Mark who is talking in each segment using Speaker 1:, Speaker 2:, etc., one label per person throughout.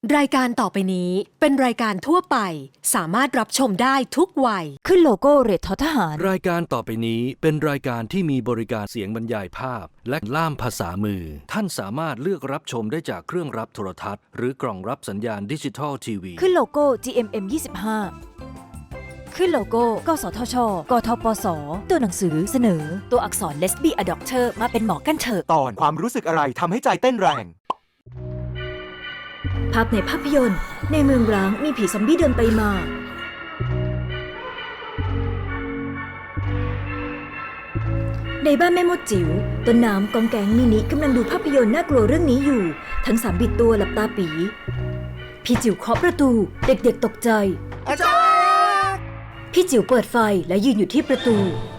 Speaker 1: รายการต่อไปนี้เป็นรายการทั่วไปสามารถรับชมได้ทุกวัย
Speaker 2: ขึ้นโลโก้เรททอทหาร
Speaker 3: รายการต่อไปนี้เป็นรายการที่มีบริการเสียงบรรยายภาพและล่ามภาษามือท่านสามารถเลือกรับชมได้จากเครื่องรับโทรทัศน์หรือกล่องรับสัญญาณดิจิทัลทีวี
Speaker 2: ขึ้นโลโก้ GMM 25ขึ้นโลโก้ กสทช กทปส ตัวหนังสือเสนอตัวอักษร Lesbi a Doctor มาเป็นหมอกันเถอะ
Speaker 4: ตอนความรู้สึกอะไรทำให้ใจเต้นแรง
Speaker 2: ภาพในภาพยนตร์ในเมืองร้างมีผีซอมบี้เดินไปมา ในบ้านแม่มดจิ๋วต้นน้ำกองแกงมินิกำลังดูภาพยนตร์น่ากลัวเรื่องนี้อยู่ทั้ง3บิดตัวหลับตาปีพี่จิ๋วเคาะประตูเด็กๆตกใจอาจารย์พี่จิ๋วเปิดไฟและยืนอยู่ที่ประตู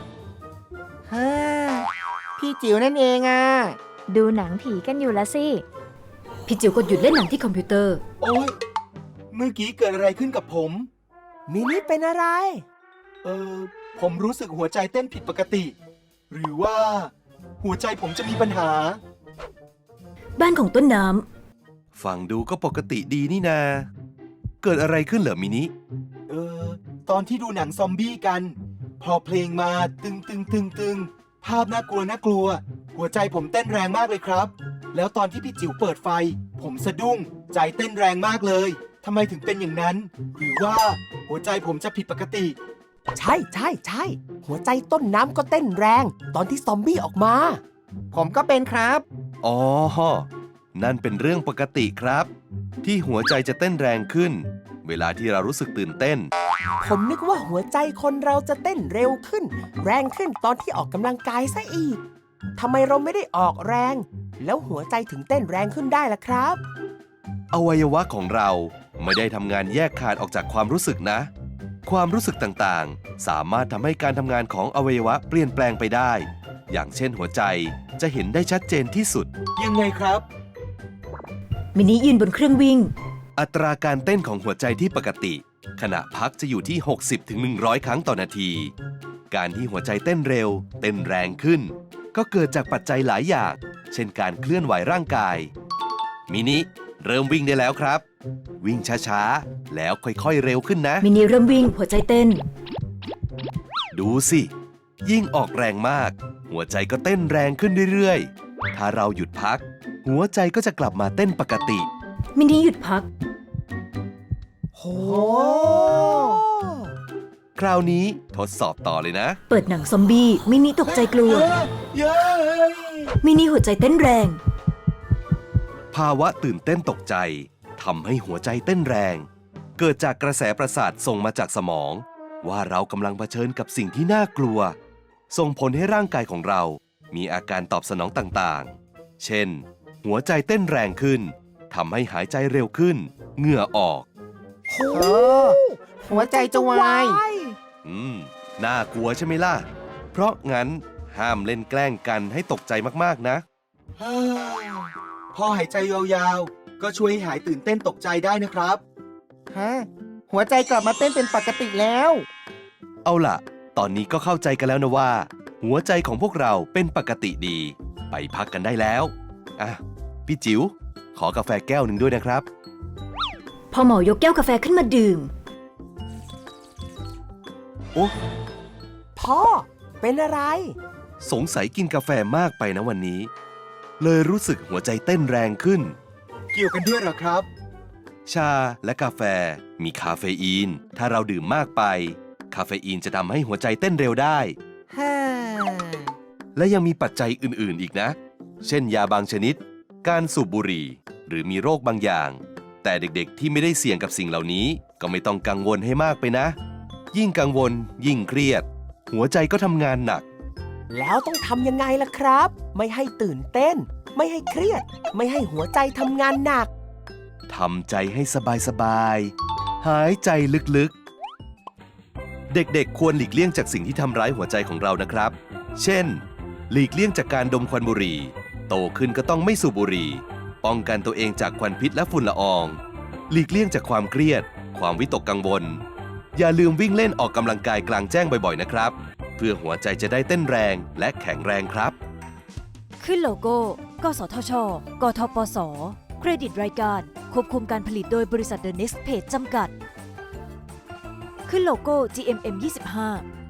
Speaker 5: พี่จิ๋วนั่นเองอ่ะดูหนังผีกันอยู่ละสิ
Speaker 2: พี่จิ๋วกดหยุดเล่นหนังที่คอมพิวเตอร์
Speaker 4: โอ๊ยเมื่อกี้เกิดอะไรขึ้นกับผม
Speaker 5: มินิเป็นอะไร
Speaker 4: ผมรู้สึกหัวใจเต้นผิดปกติหรือว่าหัวใจผมจะมีปัญหา
Speaker 2: บ้านของต้นน้
Speaker 6: ำฟังดูก็ปกติดีนี่นาเกิดอะไรขึ้นเหรอมินิ
Speaker 4: ตอนที่ดูหนังซอมบี้กันพอเพลงมาตึงภาพน่ากลัวหัวใจผมเต้นแรงมากเลยครับแล้วตอนที่พี่จิ๋วเปิดไฟผมสะดุ้งใจเต้นแรงมากเลยทำไมถึงเป็นอย่างนั้นหรือว่าหัวใจผมจะผิดปกติ
Speaker 5: ใช่หัวใจต้นน้ำก็เต้นแรงตอนที่ซอมบี้ออกมาผมก็เป็นครับ
Speaker 6: อ๋อนั่นเป็นเรื่องปกติครับที่หัวใจจะเต้นแรงขึ้นเวลาที่เรารู้สึกตื่นเต้น
Speaker 5: ผมนึกว่าหัวใจคนเราจะเต้นเร็วขึ้นแรงขึ้นตอนที่ออกกำลังกายซะอีกทำไมเราไม่ได้ออกแรงแล้วหัวใจถึงเต้นแรงขึ้นได้ล่ะครับ
Speaker 6: อวัยวะของเราไม่ได้ทำงานแยกขาดออกจากความรู้สึกนะความรู้สึกต่างๆสามารถทำให้การทำงานของอวัยวะเปลี่ยนแปลงไปได้อย่างเช่นหัวใจจะเห็นได้ชัดเจนที่สุด
Speaker 4: ยังไงครับ
Speaker 2: มินิยืนบนเครื่องวิ่ง
Speaker 6: อัตราการเต้นของหัวใจที่ปกติขณะพักจะอยู่ที่ 60-100 ครั้งต่อนาทีการที่หัวใจเต้นเร็วเต้นแรงขึ้นก็เกิดจากปัจจัยหลายอย่างเช่นการเคลื่อนไหวร่างกายมินิเริ่มวิ่งได้แล้วครับวิ่งช้าๆแล้วค่อยๆเร็วขึ้นนะ
Speaker 2: มินิเริ่มวิ่งหัวใจเต้น
Speaker 6: ดูสิยิ่งออกแรงมากหัวใจก็เต้นแรงขึ้นเรื่อยๆถ้าเราหยุดพักหัวใจก็จะกลับมาเต้นปกติ
Speaker 2: มินิหยุดพัก
Speaker 5: โห
Speaker 6: คราวนี้ทดสอบต่อเลยนะ
Speaker 2: เปิดหนังซอมบี้มินิตกใจกลัวมินิหัวใจเต้นแรง
Speaker 6: ภาวะตื่นเต้นตกใจทำให้หัวใจเต้นแรงเกิดจากกระแสประสาทส่งมาจากสมองว่าเรากำลังเผชิญกับสิ่งที่น่ากลัวส่งผลให้ร่างกายของเรามีอาการตอบสนองต่างๆเช่นหัวใจเต้นแรงขึ้นทำให้หายใจเร็วขึ้นเหงื่อออก
Speaker 5: หัวใจจะวาย
Speaker 6: น่ากลัวใช่ไหมล่ะเพราะงั้นห้ามเล่นแกล้งกันให้ตกใจมากๆนะ
Speaker 4: พอหายใจยาวๆก็ช่วยให้หายตื่นเต้นตกใจได้นะครับ
Speaker 5: หัวใจกลับมาเต้นเป็นปกติแล้ว
Speaker 6: เอาล่ะตอนนี้ก็เข้าใจกันแล้วนะว่าหัวใจของพวกเราเป็นปกติดีไปพักกันได้แล้วพี่จิ๋วขอกาแฟแก้วหนึ่งด้วยนะครับ
Speaker 2: พอหมอยกแก้วกาแฟขึ้นมาดื่ม
Speaker 6: โอ้
Speaker 5: พ่อเป็นอะไร
Speaker 6: สงสัยกินกาแฟมากไปนะวันนี้เลยรู้สึกหัวใจเต้นแรงขึ้น
Speaker 4: เกี่ยวกันด้วยเหรอครับ
Speaker 6: ชาและกาแฟมีคาเฟอีนถ้าเราดื่มมากไปคาเฟอีนจะทำให้หัวใจเต้นเร็วได้และยังมีปัจจัยอื่นๆอีกนะเช่นยาบางชนิดการสูบบุหรี่หรือมีโรคบางอย่างแต่เด็กๆที่ไม่ได้เสี่ยงกับสิ่งเหล่านี้ก็ไม่ต้องกังวลให้มากไปนะยิ่งกังวลยิ่งเครียดหัวใจก็ทำงานหนัก
Speaker 5: แล้วต้องทำยังไงล่ะครับไม่ให้ตื่นเต้นไม่ให้เครียดไม่ให้หัวใจทำงานหนัก
Speaker 6: ทำใจให้สบายๆหายใจลึกๆเด็กๆควรหลีกเลี่ยงจากสิ่งที่ทำร้ายหัวใจของเรานะครับเช่นหลีกเลี่ยงจากการดมควันบุหรี่โตขึ้นก็ต้องไม่สูบบุหรี่ป้องกันตัวเองจากควันพิษและฝุ่นละอองหลีกเลี่ยงจากความเครียดความวิตกกังวลอย่าลืมวิ่งเล่นออกกำลังกายกลางแจ้งบ่อยๆนะครับเพื่อหัวใจจะได้เต้นแรงและแข็งแรงครับ
Speaker 2: ขึ้นโลโก้ กสทช กทปส เครดิตรายการควบคุมการผลิตโดยบริษัท The Next Page จำกัด ขึ้นโลโก้ GMM 25